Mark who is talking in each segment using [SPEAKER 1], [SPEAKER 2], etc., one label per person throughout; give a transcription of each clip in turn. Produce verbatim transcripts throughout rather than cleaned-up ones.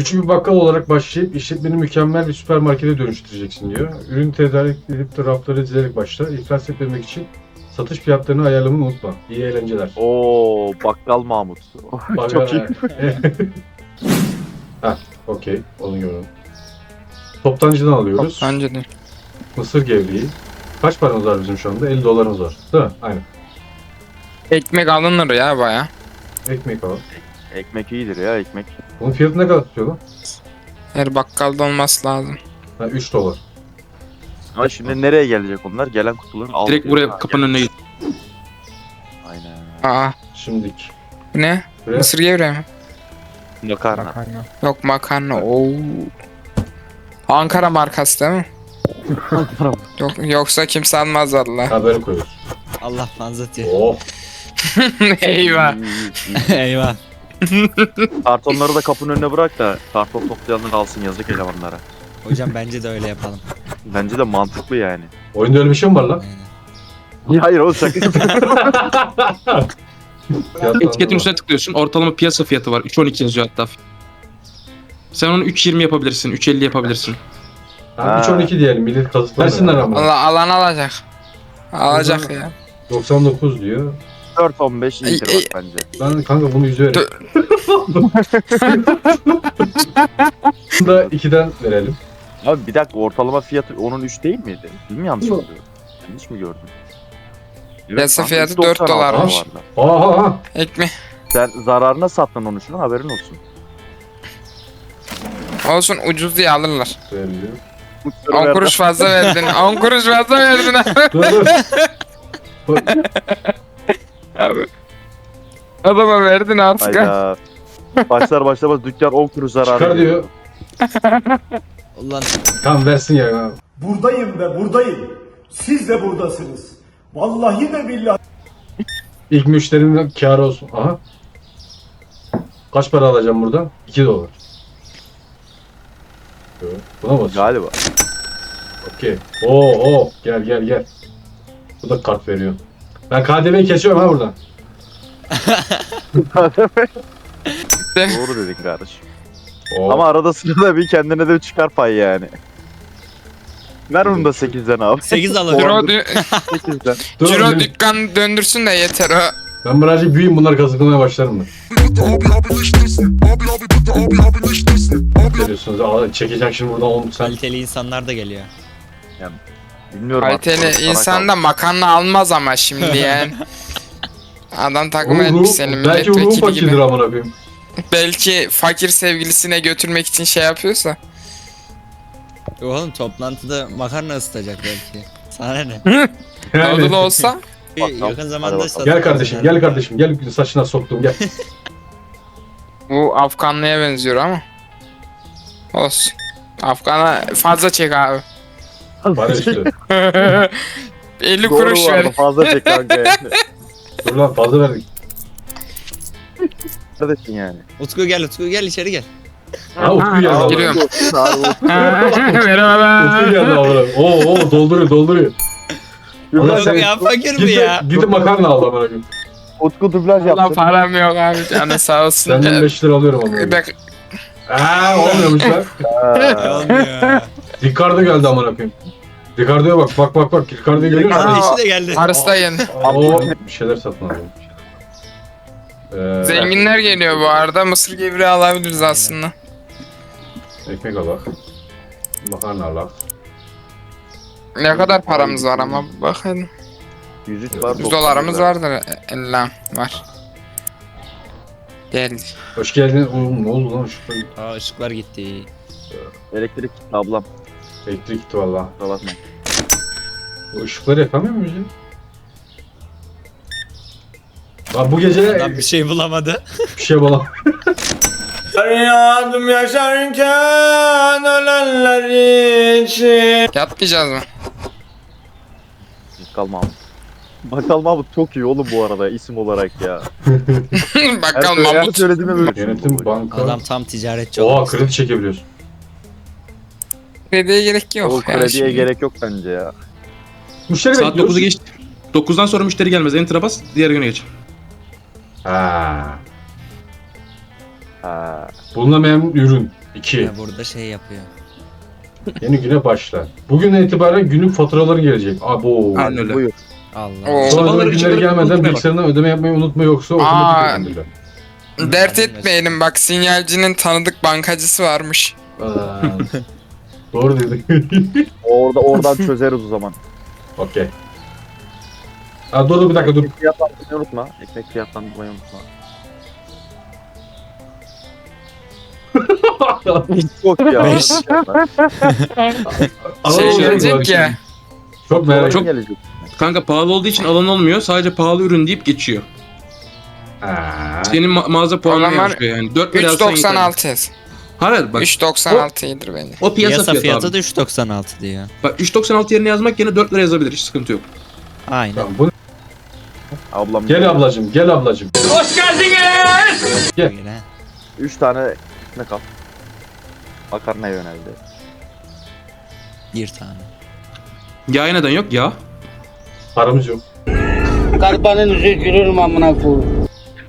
[SPEAKER 1] Küçük bir bakkal olarak başlayıp işletmeni mükemmel bir süpermarkete dönüştüreceksin diyor. Ürün tedarik edip de rafları dizilerek başla. İflas etmemek için satış fiyatlarını ayarlamayı unutma. İyi eğlenceler.
[SPEAKER 2] Oo, bakkal Mahmut. Çok iyi.
[SPEAKER 1] Heh, okey. Onu görüyorum. Toptancıdan alıyoruz.
[SPEAKER 3] Bence de.
[SPEAKER 1] Mısır gevreği. Kaç paramız var bizim şu anda? elli dolarımız var. Değil mi? Aynen.
[SPEAKER 3] Ekmek alınır ya baya.
[SPEAKER 1] Ekmek alalım.
[SPEAKER 2] Ekmek iyidir ya ekmek.
[SPEAKER 1] Bunun fiyatı ne kadar tutuyor lan?
[SPEAKER 3] Her bakkalda olması lazım.
[SPEAKER 1] Ha, üç dolar.
[SPEAKER 2] Ama şimdi nereye gelecek onlar? Gelen kutuların altı.
[SPEAKER 4] Direkt buraya kapının önüne git.
[SPEAKER 2] Aynen.
[SPEAKER 3] Aa,
[SPEAKER 1] Şimdiki.
[SPEAKER 3] bu ne?
[SPEAKER 1] Buraya
[SPEAKER 3] Mısır gevreği mi?
[SPEAKER 2] Makarna.
[SPEAKER 3] Yok makarna. Oo. Ankara markası değil mi? Yok, yoksa kimse almaz valla.
[SPEAKER 1] haberi koyuyoruz.
[SPEAKER 5] Allah manzat ya.
[SPEAKER 1] Oh.
[SPEAKER 3] Eyvah.
[SPEAKER 5] Eyvah.
[SPEAKER 2] Kartonları da kapının önüne bırak da karton toplayanlar alsın yazık elemanlara.
[SPEAKER 5] Hocam bence de öyle yapalım.
[SPEAKER 2] Bence de mantıklı yani.
[SPEAKER 1] Oyunda öyle bir şey mi var lan?
[SPEAKER 5] Aynen.
[SPEAKER 2] Ya hayır oğlum şaka
[SPEAKER 4] Etiketin üstüne tıklıyorsun. Ortalama piyasa fiyatı var. üç on iki yazıyor hatta. Sen onu üç yirmi yapabilirsin. üç elli yapabilirsin.
[SPEAKER 1] Ha, üç on iki diyelim. Millet kazıklasınlar ama.
[SPEAKER 3] Allah alan alacak. Alacak ya.
[SPEAKER 1] doksan dokuz diyor.
[SPEAKER 2] dört on beş iyidir
[SPEAKER 3] Ey, ey.
[SPEAKER 2] bak bence.
[SPEAKER 1] Ben kanka bunu yüze verelim. Bunu da ikiden verelim.
[SPEAKER 2] Abi bir dakika ortalama fiyatı onun üç değil miydi? Değil mi yanlış
[SPEAKER 1] Yok.
[SPEAKER 2] oluyor? Yanlış mı gördüm?
[SPEAKER 3] Piyasa
[SPEAKER 2] kanka,
[SPEAKER 3] fiyatı
[SPEAKER 2] üç doksan
[SPEAKER 3] dört
[SPEAKER 2] altı
[SPEAKER 3] dolarmış.
[SPEAKER 2] bu arada.
[SPEAKER 1] Aha aha.
[SPEAKER 3] Ekmek.
[SPEAKER 2] Sen zararına sattın onu şuna haberin olsun.
[SPEAKER 3] Olsun ucuz diye alırlar.
[SPEAKER 1] Veriliyor.
[SPEAKER 3] on kuruş fazla verdin. on kuruş fazla verdin abi.
[SPEAKER 1] Dur dur.
[SPEAKER 3] Abi. Adama verdin artık. ha.
[SPEAKER 2] Hayda. Başlar başlamaz dükkan on kuruş zararı.
[SPEAKER 1] Çıkar diyor.
[SPEAKER 5] Ulan
[SPEAKER 1] Tamam versin ya.
[SPEAKER 6] Buradayım ve buradayım. Siz de buradasınız. Vallahi de billahi.
[SPEAKER 1] İlk müşterinin kârı olsun. Aha. Kaç para alacağım buradan? iki dolar. Evet, buna bas.
[SPEAKER 2] Galiba.
[SPEAKER 1] Okey. Oo oo. Gel gel gel. Bu da kart veriyor. Ben K D V'yi kesiyorum ha buradan.
[SPEAKER 2] Doğru dedin kardeşim.
[SPEAKER 1] Oo.
[SPEAKER 2] Ama arada sırada bir kendine de çıkar pay yani. Ver onu da sekizden abi.
[SPEAKER 5] sekiz alalım.
[SPEAKER 3] Ciro, dü-
[SPEAKER 2] sekizden.
[SPEAKER 1] Dur,
[SPEAKER 3] Ciro
[SPEAKER 1] benim-
[SPEAKER 3] dükkan döndürsün de yeter o.
[SPEAKER 1] Ben birazcık büyüyeyim bunları kazıklamaya başlarım ben. Görüyorsunuz. Aa, çekeceğim şimdi buradan on sen.
[SPEAKER 5] Kaliteli insanlar da geliyor.
[SPEAKER 2] Bilmiyorum. artık,
[SPEAKER 3] Kaliteli
[SPEAKER 2] sana
[SPEAKER 3] insan
[SPEAKER 2] kaldı.
[SPEAKER 3] da makarna almaz ama şimdi yani. Adam takım
[SPEAKER 1] Oğlum,
[SPEAKER 3] elbiseli
[SPEAKER 1] ruh- belki ruhu
[SPEAKER 3] milletvekili
[SPEAKER 1] fakirdir
[SPEAKER 3] gibi.
[SPEAKER 1] amına koyayım.
[SPEAKER 3] Belki fakir sevgilisine götürmek için şey yapıyorsa.
[SPEAKER 5] Oğlum toplantıda makarna ısıtacak belki. Sana ne?
[SPEAKER 1] Yani-
[SPEAKER 3] Oldu da olsa.
[SPEAKER 5] Bir
[SPEAKER 2] Bakalım.
[SPEAKER 5] yakın zamanda
[SPEAKER 2] Hadi bakalım.
[SPEAKER 5] satın
[SPEAKER 1] Gel kardeşim,
[SPEAKER 5] alacağım.
[SPEAKER 1] gel kardeşim, gel saçına soktum gel.
[SPEAKER 3] Bu Afganlıya benziyor ama. Olsun. Afgan'a fazla çek abi.
[SPEAKER 1] Para üstü.
[SPEAKER 3] elli
[SPEAKER 2] Doğru
[SPEAKER 3] kuruş
[SPEAKER 2] bu arada,
[SPEAKER 3] ver.
[SPEAKER 2] fazla çek kanka yani.
[SPEAKER 1] Dur lan fazla verdik.
[SPEAKER 2] Kardeşim yani.
[SPEAKER 5] Utku gel Utku gel içeri gel.
[SPEAKER 1] Ha Utku geldi.
[SPEAKER 3] Giriyorum.
[SPEAKER 1] Merhaba. Utku geldi amına. Oo oo dolduruyor dolduruyor. Allah
[SPEAKER 5] Yok
[SPEAKER 1] sen-
[SPEAKER 5] ya fakir
[SPEAKER 1] Git
[SPEAKER 5] mi
[SPEAKER 1] de,
[SPEAKER 5] ya?
[SPEAKER 1] git de makarna al amına koyayım.
[SPEAKER 2] Utku dublaj
[SPEAKER 3] Allah
[SPEAKER 2] yaptı.
[SPEAKER 3] param yok abi canı sağ olsun.
[SPEAKER 1] Senden
[SPEAKER 3] Ee,
[SPEAKER 1] beş lira alıyorum amına
[SPEAKER 3] bir
[SPEAKER 1] koyayım.
[SPEAKER 3] dakika.
[SPEAKER 1] Aaa olmuyormuş lan.
[SPEAKER 2] Ha.
[SPEAKER 5] Olmuyor.
[SPEAKER 1] Ricardo geldi amına koyayım. Ricardo'ya bak bak bak bak. Ricardo'yu görüyor musun?
[SPEAKER 3] Aa,
[SPEAKER 5] Kardeşi de geldi.
[SPEAKER 3] Arası da yeni.
[SPEAKER 1] Oo bir şeyler satın alalım. Ee,
[SPEAKER 3] Zenginler geliyor bu arada. Mısır gevreği alabiliriz aslında.
[SPEAKER 1] Ekmek alak. Makarna alak.
[SPEAKER 3] Ne kadar paramız var ama bakın.
[SPEAKER 2] yüz üç var.
[SPEAKER 3] yüz dolarımız vardır. elli var. Geldi.
[SPEAKER 1] Hoş geldin. Oğlum ne oldu lan şu
[SPEAKER 5] Aa ışıklar gitti.
[SPEAKER 2] Elektrik gitti ablam.
[SPEAKER 1] elektrik gitti valla.
[SPEAKER 2] Kusura bakma.
[SPEAKER 1] Bu ışıkları yakamıyor muyuz ya? Bak bu gece
[SPEAKER 5] Adam bir şey bulamadı.
[SPEAKER 1] bir şey bulam.
[SPEAKER 6] Yardım yaşarken ölenler için.
[SPEAKER 3] Yatmayacağız mı?
[SPEAKER 2] Bakkal Mahmut. Bakkal Mahmut çok iyi oğlum bu arada isim olarak ya.
[SPEAKER 3] Bakalım
[SPEAKER 2] Her
[SPEAKER 3] Mahmut.
[SPEAKER 2] söylediğime böyle.
[SPEAKER 1] Yönetim banka.
[SPEAKER 5] Adam tam ticaretçi
[SPEAKER 1] Oha
[SPEAKER 5] olmuş.
[SPEAKER 1] kredi çekebiliyorsun.
[SPEAKER 3] Krediye gerek yok.
[SPEAKER 2] O
[SPEAKER 3] ya
[SPEAKER 2] krediye
[SPEAKER 3] şimdi.
[SPEAKER 2] gerek yok bence ya.
[SPEAKER 1] Müşteri
[SPEAKER 4] Saat
[SPEAKER 1] bekliyoruz.
[SPEAKER 4] dokuzu geçti. dokuzdan sonra müşteri gelmez. Enter'a bas. Diğer güne geç.
[SPEAKER 1] Ha.
[SPEAKER 2] Ha.
[SPEAKER 1] Bulunamayan ürün. iki.
[SPEAKER 5] Ya burada şey yapıyor.
[SPEAKER 1] Yeni güne başla. Bugünden itibaren günlük faturaları gelecek. Abo.
[SPEAKER 4] Aynen öyle.
[SPEAKER 2] Buyur.
[SPEAKER 5] Allah.
[SPEAKER 3] Oo.
[SPEAKER 1] Sonra
[SPEAKER 4] Sabahları
[SPEAKER 1] ödeme günleri
[SPEAKER 4] çıkarıp
[SPEAKER 1] gelmeden
[SPEAKER 4] unutmaya bak.
[SPEAKER 1] bilgisayarından ödeme yapmayı unutma yoksa
[SPEAKER 3] Aa.
[SPEAKER 1] otomatik ödenirler.
[SPEAKER 3] Dert etmeyelim bak sinyalcinin tanıdık bankacısı varmış.
[SPEAKER 1] Aa, Doğru dedin.
[SPEAKER 2] Orada oradan çözeriz o zaman.
[SPEAKER 1] Okey. Aa, dur dur bir dakika dur.
[SPEAKER 2] Ekmek fiyatlandırmayı unutma. Ekmek fiyatlandırmayı unutma. Çok ya.
[SPEAKER 5] Beş.
[SPEAKER 3] Şey
[SPEAKER 1] Aa,
[SPEAKER 3] gelecek
[SPEAKER 1] bak
[SPEAKER 3] ya.
[SPEAKER 1] şimdi. Çok merak
[SPEAKER 4] Çok-
[SPEAKER 1] ettim.
[SPEAKER 2] gelecek.
[SPEAKER 4] Kanka pahalı olduğu için alan olmuyor. Sadece pahalı ürün deyip geçiyor.
[SPEAKER 1] Aa,
[SPEAKER 4] Senin ma- mağaza puanına
[SPEAKER 3] zaman
[SPEAKER 4] yazıyor yani. dört lira
[SPEAKER 3] üç
[SPEAKER 4] alsan
[SPEAKER 3] doksan
[SPEAKER 4] yeter.
[SPEAKER 3] altı yaz.
[SPEAKER 4] Hayır bak.
[SPEAKER 3] üç doksan altı iyidir bence.
[SPEAKER 4] O piyasa,
[SPEAKER 5] Piyasa
[SPEAKER 4] fiyatı,
[SPEAKER 5] fiyatı
[SPEAKER 4] abi.
[SPEAKER 5] da üç doksan altı diyor.
[SPEAKER 4] Bak üç doksan altı yerine yazmak yerine dört lira yazabilir. Hiç sıkıntı yok.
[SPEAKER 5] Aynen.
[SPEAKER 1] tamam, bu...
[SPEAKER 2] Ablam.
[SPEAKER 1] Gel ablacım, gel ablacım. Gel.
[SPEAKER 5] Böyle.
[SPEAKER 2] Üç tane ekmek al. Makarnaya yöneldi.
[SPEAKER 5] Bir tane.
[SPEAKER 4] Yağ neden yok? Yağ.
[SPEAKER 1] Paramız yok.
[SPEAKER 7] Karbanın yüzü gülürüm amına koyayım.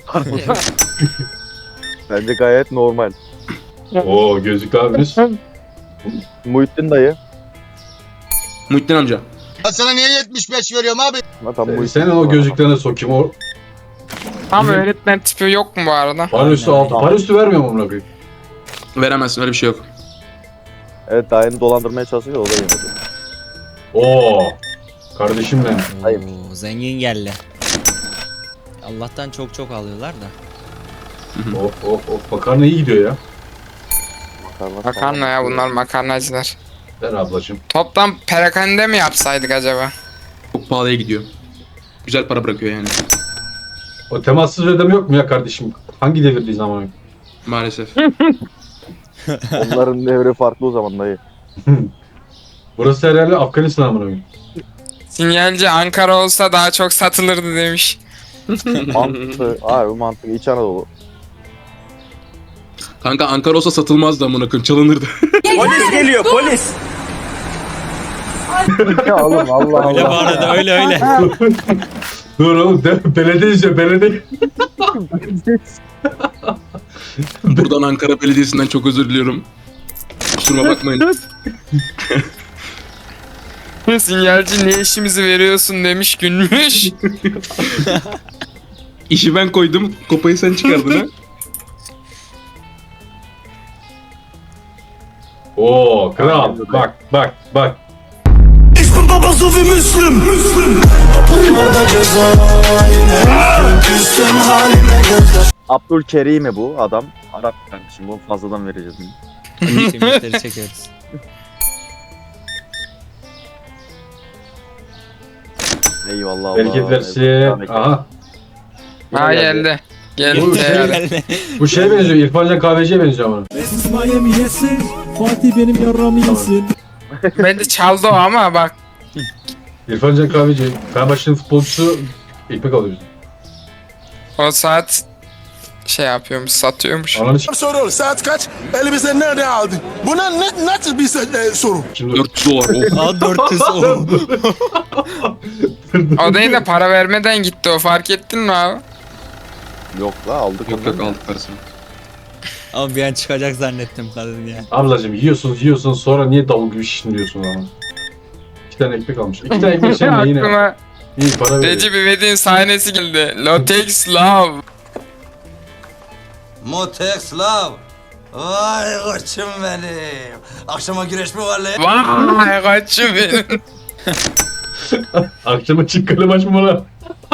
[SPEAKER 2] Bence gayet normal.
[SPEAKER 1] Oo, gözlüklü abimiz.
[SPEAKER 2] Muhittin dayı.
[SPEAKER 4] Muhittin amca.
[SPEAKER 8] Sana niye yetmiş beş veriyorum abi?
[SPEAKER 2] Zaten Muhittin
[SPEAKER 1] Senin o gözlüklerine sokayım. O
[SPEAKER 3] Tam öğretmen tipi yok mu bu arada?
[SPEAKER 1] para üstü
[SPEAKER 5] Aynen,
[SPEAKER 1] altı.
[SPEAKER 2] aynen.
[SPEAKER 1] Para üstü vermiyor mu amına koyayım?
[SPEAKER 4] Veremezsin öyle bir şey yok.
[SPEAKER 2] Evet dayını dolandırmaya çalışıyor o da yemedi.
[SPEAKER 1] Oo. Kardeşim benim.
[SPEAKER 2] Hayır.
[SPEAKER 5] Oo, zengin geldi. Allah'tan çok çok alıyorlar da.
[SPEAKER 1] Of of of. Makarna iyi gidiyor ya.
[SPEAKER 2] Makarna,
[SPEAKER 3] Makarna ya bunlar makarnacılar.
[SPEAKER 1] Ver ablacım.
[SPEAKER 3] Toptan perakende mi yapsaydık acaba?
[SPEAKER 4] Çok pahalıya gidiyor. Güzel para bırakıyor yani.
[SPEAKER 1] O temassız ödeme yok mu ya kardeşim? Hangi devirdeyiz ama?
[SPEAKER 4] Maalesef.
[SPEAKER 2] Onların devri farklı o zaman dayı.
[SPEAKER 1] Burası herhalde Afganistan amına koyayım.
[SPEAKER 3] Sinyalci Ankara olsa daha çok satılırdı demiş.
[SPEAKER 2] Mantıklı. Abi mantıklı. İç Anadolu.
[SPEAKER 4] Kanka Ankara olsa satılmazdı amına koyayım. Çalınırdı.
[SPEAKER 6] Polis geliyor polis.
[SPEAKER 2] Ya oğlum Allah
[SPEAKER 5] Öyle bu
[SPEAKER 2] Allah.
[SPEAKER 5] arada öyle öyle.
[SPEAKER 1] Dur oğlum de, belediye işte belediye.
[SPEAKER 4] Buradan Ankara Belediyesi'nden çok özür diliyorum. Kusuruma bakmayın.
[SPEAKER 3] Sinyalci ne işimizi veriyorsun demiş gülmüş.
[SPEAKER 4] İşi ben koydum. Kopayı sen çıkardın ha.
[SPEAKER 1] Oo kral. Bak bak bak.
[SPEAKER 6] İsmin babası ve Müslüm. Müslüm.
[SPEAKER 2] Abdülkerim'i bu adam. Arap kardeşim bunu fazladan vereceğiz.
[SPEAKER 5] Simitleri çekiyoruz.
[SPEAKER 2] Eyvallah Allah.
[SPEAKER 1] Bereket versin.
[SPEAKER 2] Eyvallah.
[SPEAKER 1] Aha.
[SPEAKER 3] Ha geldi. Geldi.
[SPEAKER 1] Bu şey-
[SPEAKER 3] geldi.
[SPEAKER 1] Bu şeye benziyor. İrfancan kahveciye benziyor ama.
[SPEAKER 9] Miami yesin, Fatih benim yarramı yesin.
[SPEAKER 3] Bence çaldı o ama bak.
[SPEAKER 1] İrfancan kahveci. Fenerbahçe'nin futbolcusu ekmek alıyor.
[SPEAKER 3] O saat şey yapıyormuş, satıyormuş.
[SPEAKER 1] Ananı s***
[SPEAKER 8] Soru saat kaç? Elimize nerede aldın? Buna ne, nasıl bir e, soru?
[SPEAKER 1] şimdi.
[SPEAKER 4] dört yüz dolar. Oh.
[SPEAKER 5] Aa dört yüz o.
[SPEAKER 3] O değil de para vermeden gitti o, fark ettin mi abi?
[SPEAKER 2] Yok la aldık.
[SPEAKER 4] Yok
[SPEAKER 2] ondan.
[SPEAKER 4] yok aldık parasını.
[SPEAKER 5] Ama bir an çıkacak zannettim kadın ya.
[SPEAKER 1] Ablacım yiyorsunuz yiyorsunuz sonra niye davul gibi şişin diyorsun ama. İki tane ekmek almış. İki tane ekmek sen de yine.
[SPEAKER 3] Aklıma
[SPEAKER 1] İyi para veriyor.
[SPEAKER 3] Recep İvedik'in sahnesi geldi. Latex Love.
[SPEAKER 8] Motex Love. Vay koçum benim. Akşama güreş mi var lan?
[SPEAKER 3] Vay kaçım benim.
[SPEAKER 1] Akşama çık kalem açma bana.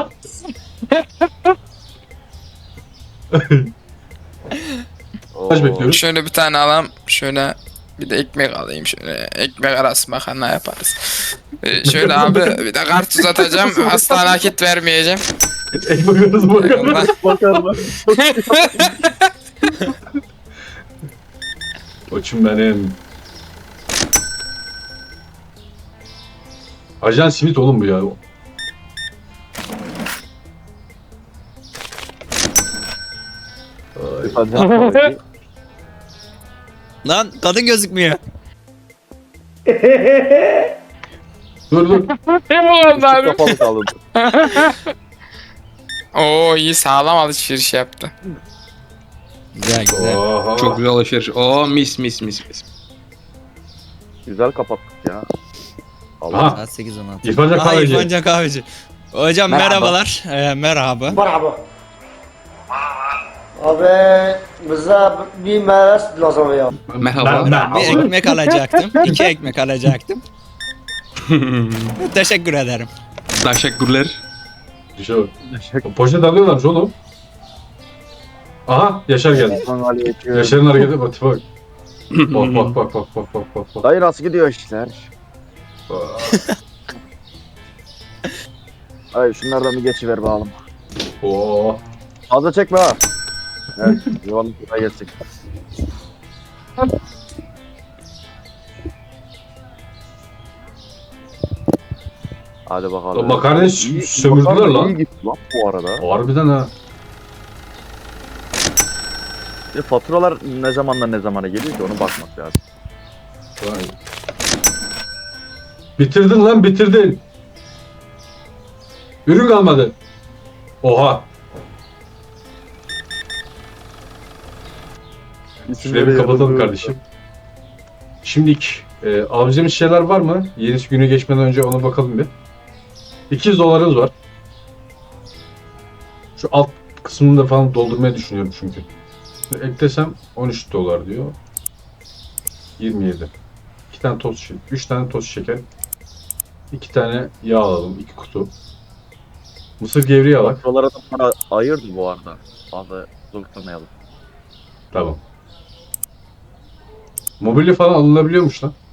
[SPEAKER 2] Oo.
[SPEAKER 1] Kaç bekliyoruz?
[SPEAKER 3] Şöyle bir tane alalım. Şöyle bir de ekmek alayım şöyle. Ekmek arası makarna yaparız. Ee, şöyle abi bir de kart uzatacağım. Asla nakit vermeyeceğim.
[SPEAKER 1] Ekmek arası bakalım.
[SPEAKER 3] Eyvallah.
[SPEAKER 2] Makarna.
[SPEAKER 1] Koçum benim. Ajan Smith oğlum bu ya. Ay.
[SPEAKER 5] Lan kadın gözükmüyor.
[SPEAKER 1] Dur dur.
[SPEAKER 3] Ne bu oldu abi?
[SPEAKER 2] Kapalı kaldı.
[SPEAKER 3] Oo iyi, sağlam alışveriş yaptı.
[SPEAKER 5] Güzel güzel.
[SPEAKER 1] Oha.
[SPEAKER 4] Çok güzel alışveriş. Oo mis mis mis mis.
[SPEAKER 2] Güzel kapattık ya. Allah.
[SPEAKER 1] Aha.
[SPEAKER 5] Saat sekiz on altı.
[SPEAKER 1] İrfancan
[SPEAKER 5] Aa,
[SPEAKER 1] kahveci.
[SPEAKER 5] İrfancan kahveci. Hocam
[SPEAKER 2] Merhaba.
[SPEAKER 5] merhabalar. Ee, merhaba.
[SPEAKER 6] Merhaba. Abi bize bir meres lazım ya.
[SPEAKER 4] Merhaba.
[SPEAKER 1] Ben, ben.
[SPEAKER 5] Bir ekmek alacaktım. iki ekmek alacaktım. Teşekkür ederim.
[SPEAKER 4] Teşekkürler.
[SPEAKER 1] Düşe bak. Poşet alıyorlarmış oğlum. Aha Yaşar geldi. Yaşar'ın hareketi bak tipe bak. Bak bak bak bak bak bak bak bak.
[SPEAKER 2] Dayı nasıl gidiyor işler? Ay şunlardan bir geçiver bakalım.
[SPEAKER 1] Oo.
[SPEAKER 2] Fazla çekme ha. Evet, yuvanın buraya geçecek. Hadi bakalım.
[SPEAKER 1] Lan makarnayı
[SPEAKER 2] İyi-
[SPEAKER 1] sömürdüler
[SPEAKER 2] makarna
[SPEAKER 1] lan.
[SPEAKER 2] iyi gitti lan bu arada.
[SPEAKER 1] Harbiden ha.
[SPEAKER 2] Bir faturalar ne zamandan ne zamana geliyor ki onu bakmak lazım.
[SPEAKER 1] Vay. Bitirdin lan bitirdin. Ürün kalmadı. Oha. Şurayı bir kapatalım kardeşim. Şimdilik e, alacağımız şeyler var mı? Yenisi günü geçmeden önce ona bakalım bir. iki yüz dolarımız var. Şu alt kısmını da falan doldurmayı düşünüyorum çünkü. Şimdi eklesem on üç dolar diyor. yirmi yedi. iki tane toz şeker, üç tane toz şeker. iki tane yağ alalım, iki kutu. Mısır gevreği alalım.
[SPEAKER 2] Faturalara da para ayırdı bu arada. Fazla zorlamayalım.
[SPEAKER 1] Tamam. Mobilya falan alınabiliyormuş lan.